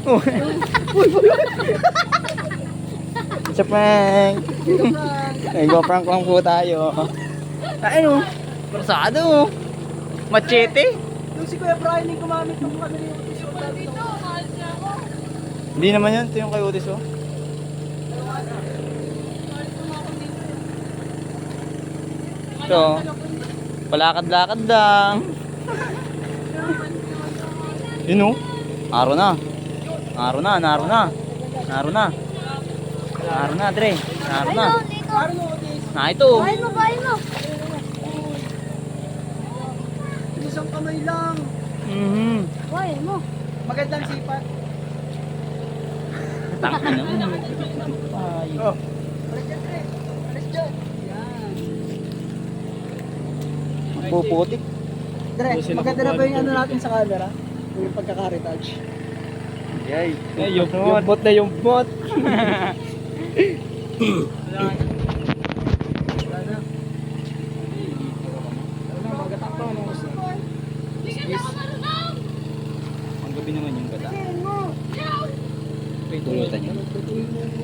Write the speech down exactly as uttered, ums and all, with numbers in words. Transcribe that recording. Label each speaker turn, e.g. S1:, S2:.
S1: Sa prank. Nag-prank lang po tayo. Ay, no. Persado, oh. Machete.
S2: Yung si Kuya Brian yung gumamit ng ano yung
S3: Dito, mahal siya ako.
S1: Hindi naman yun. Ito yung kay Otis, oh. Ito. Palakad-lakad lang. Yun, oh. Araw na. Araw na, naro na. Naro na. Naro na, Dre. Naro na. Na ito.
S3: Bahay mo, bahay mo.
S2: isang kamay lang.
S1: Mhm.
S3: Bahay mo.
S2: Magandang sipat.
S1: Tangin na. Ay.
S2: Oh. Alis dyan, Tre. Alis dyan. Yan.
S1: Puputik.
S2: Dre, maganda na ba yung ano natin sa camera? Yung pagkaka-retouch.
S1: Yay.
S2: Eh, yung, yung bot na yung bot. Wala na. Wala na. Wala na, magatakto. Ano gusto?
S3: Hindi ka na marunong.
S1: Ang gabi naman yung gata.
S2: Tingin mo.
S1: Pulutan yun.